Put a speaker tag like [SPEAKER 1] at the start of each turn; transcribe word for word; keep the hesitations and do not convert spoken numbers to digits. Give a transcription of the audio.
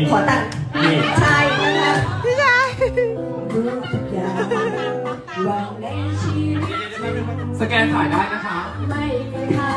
[SPEAKER 1] ขอตังค์ใช่นะคะพี่ชายรู้ทุกอย่างวันในชีวิต
[SPEAKER 2] สแกนถ่ายได้นะคะ
[SPEAKER 1] ไม่เคยท